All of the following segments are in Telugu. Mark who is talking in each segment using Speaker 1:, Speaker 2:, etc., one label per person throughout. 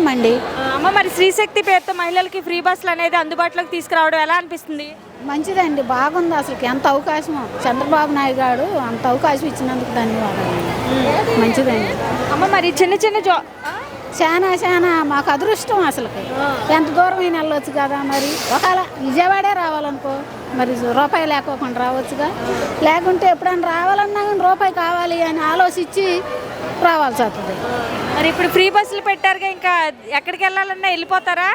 Speaker 1: ఇస్తామండి.
Speaker 2: అమ్మ మరి శ్రీశక్తి పేరుతో మహిళలకి ఫ్రీ బస్సులు అనేది అందుబాటులోకి తీసుకురావడం ఎలా అనిపిస్తుంది?
Speaker 1: మంచిదండి, బాగుంది. అసలు ఎంత అవకాశం చంద్రబాబు నాయుడు గారు అంత అవకాశం ఇచ్చినందుకు ధన్యవాదాలు. మంచిదండి.
Speaker 2: అమ్మ మరి చిన్న చిన్న
Speaker 1: చాలా మాకు అదృష్టం. అసలు ఎంత దూరమైన వెళ్ళొచ్చు కదా. మరి ఒకవేళ విజయవాడే రావాలనుకో మరి రూపాయి లేకోకుండా రావచ్చుగా. లేకుంటే ఎప్పుడైనా రావాలన్నా కానీ రూపాయి కావాలి అని ఆలోచించి రావాల్సి వస్తుంది.
Speaker 2: మరి ఇప్పుడు ఫ్రీ బస్సులు పెట్టారుగా, ఇంకా ఎక్కడికి వెళ్ళాలన్నా వెళ్ళిపోతారా?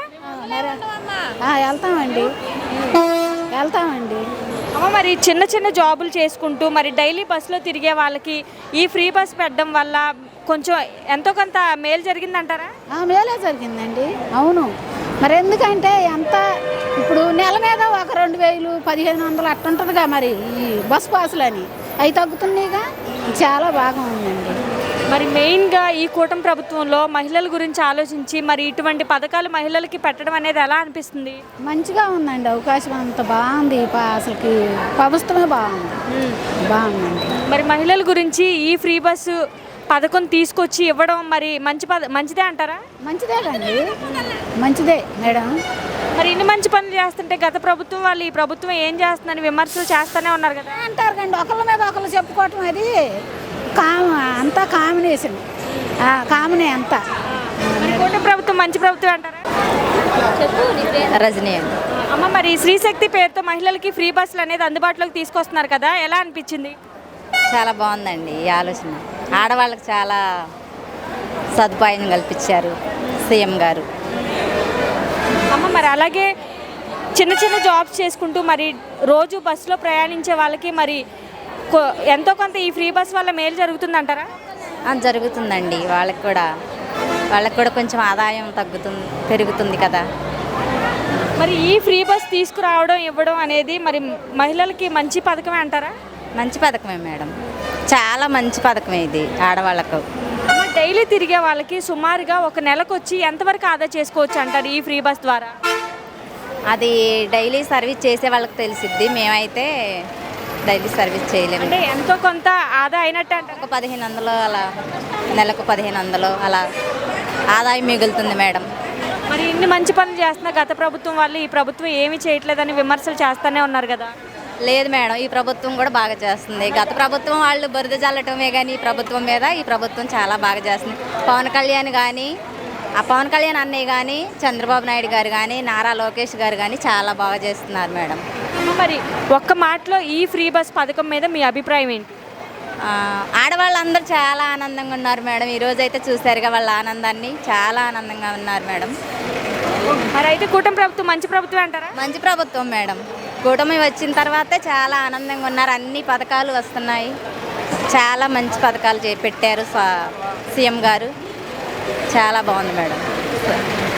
Speaker 1: వెళ్తామండి.
Speaker 2: అమ్మ మరి చిన్న చిన్న జాబులు చేసుకుంటూ మరి డైలీ బస్సులో తిరిగే వాళ్ళకి ఈ ఫ్రీ బస్ పెట్టడం వల్ల కొంచెం ఎంతో కొంత మేలు జరిగిందంటారా?
Speaker 1: మేలే జరిగిందండి. అవును. మరి ఎందుకంటే ఎంత ఇప్పుడు నెల మీద ఒక 2000 1500 అట్టుంటుందిగా. మరి ఈ బస్ పాసులని అవి తగ్గుతున్నాయిగా. చాలా బాగా ఉందండి.
Speaker 2: మరి మెయిన్గా ఈ కూటమి ప్రభుత్వంలో మహిళల గురించి ఆలోచించి మరి ఇటువంటి పథకాలు మహిళలకి పెట్టడం అనేది ఎలా అనిపిస్తుంది?
Speaker 1: మంచిగా ఉందండి. అవకాశం అంత బాగుంది. అసలుకి ప్రభుత్వమే బాగుందండి.
Speaker 2: మరి మహిళల గురించి ఈ ఫ్రీ బస్సు పథకం తీసుకొచ్చి ఇవ్వడం మరి మంచిదే అంటారా?
Speaker 1: మంచిదే మేడం.
Speaker 2: మరి ఇన్ని మంచి పనులు చేస్తుంటే గత ప్రభుత్వం వాళ్ళు ఈ ప్రభుత్వం ఏం చేస్తుందని విమర్శలు చేస్తూనే ఉన్నారు కదా.
Speaker 1: అంటారు కండి, ఒకళ్ళ మీద ఒకళ్ళు చెప్పుకోవటం అది అంతా కాంబినేషన్. కామనే అంతా.
Speaker 2: కూటమి ప్రభుత్వం మంచి ప్రభుత్వం అంటారా?
Speaker 3: రజనీ.
Speaker 2: అమ్మ మరి శ్రీశక్తి పేరుతో మహిళలకి ఫ్రీ బస్సులు అనేది అందుబాటులోకి తీసుకొస్తున్నారు కదా, ఎలా అనిపించింది?
Speaker 3: చాలా బాగుందండి ఈ ఆలోచన. ఆడవాళ్ళకి చాలా సదుపాయం కల్పించారు సీఎం గారు.
Speaker 2: అమ్మ మరి అలాగే చిన్న చిన్న జాబ్స్ చేసుకుంటూ మరి రోజు బస్సులో ప్రయాణించే వాళ్ళకి మరి ఎంతో కొంత ఈ ఫ్రీ బస్ వల్ల మేలు జరుగుతుందంటారా?
Speaker 3: జరుగుతుందండి. వాళ్ళకి కూడా కొంచెం ఆదాయం పెరుగుతుంది కదా.
Speaker 2: మరి ఈ ఫ్రీ బస్ తీసుకురావడం ఇవ్వడం అనేది మరి మహిళలకి మంచి పథకమే అంటారా?
Speaker 3: మంచి పథకమే మేడం, చాలా మంచి పథకమే ఇది ఆడవాళ్ళకు.
Speaker 2: డైలీ తిరిగే వాళ్ళకి సుమారుగా ఒక నెలకు వచ్చి ఎంతవరకు ఆదా చేసుకోవచ్చు అంటారు ఈ ఫ్రీ బస్ ద్వారా?
Speaker 3: అది డైలీ సర్వీస్ చేసే వాళ్ళకి తెలిసిద్ది. మేమైతే డైలీ సర్వీస్ చేయలేము.
Speaker 2: అంటే ఎంతో కొంత ఆదా అయినట్టు అంటే
Speaker 3: ఒక 1500 అలా, నెలకు 1500 అలా ఆదాయం మిగులుతుంది మేడం.
Speaker 2: మరి ఇన్ని మంచి పనులు చేస్తున్న గత ప్రభుత్వం వాళ్ళు ఈ ప్రభుత్వం ఏమీ చేయట్లేదని విమర్శలు చేస్తూనే ఉన్నారు కదా.
Speaker 3: లేదు మేడం, ఈ ప్రభుత్వం కూడా బాగా చేస్తుంది. గత ప్రభుత్వం వాళ్ళు బురద జల్లటమే కానీ ఈ ప్రభుత్వం చాలా బాగా చేస్తుంది. పవన్ కళ్యాణ్ అన్నయ్య కానీ, చంద్రబాబు నాయుడు గారు కానీ, నారా లోకేష్ గారు కానీ చాలా బాగా చేస్తున్నారు మేడం.
Speaker 2: మరి ఒక్క మాటలో ఈ ఫ్రీ బస్ పథకం మీద మీ అభిప్రాయం ఏంటి?
Speaker 3: ఆడవాళ్ళందరూ చాలా ఆనందంగా ఉన్నారు మేడం. ఈరోజైతే చూశారుగా వాళ్ళ ఆనందాన్ని, చాలా ఆనందంగా ఉన్నారు మేడం.
Speaker 2: మరి అయితే కూటమి ప్రభుత్వం మంచి ప్రభుత్వం అంటారా?
Speaker 3: మంచి ప్రభుత్వం మేడం. కూటమి వచ్చిన తర్వాతే చాలా ఆనందంగా ఉన్నారు. అన్ని పథకాలు వస్తున్నాయి. చాలా మంచి పథకాలు పెట్టారు సీఎం గారు. చాలా బాగుంది మేడం.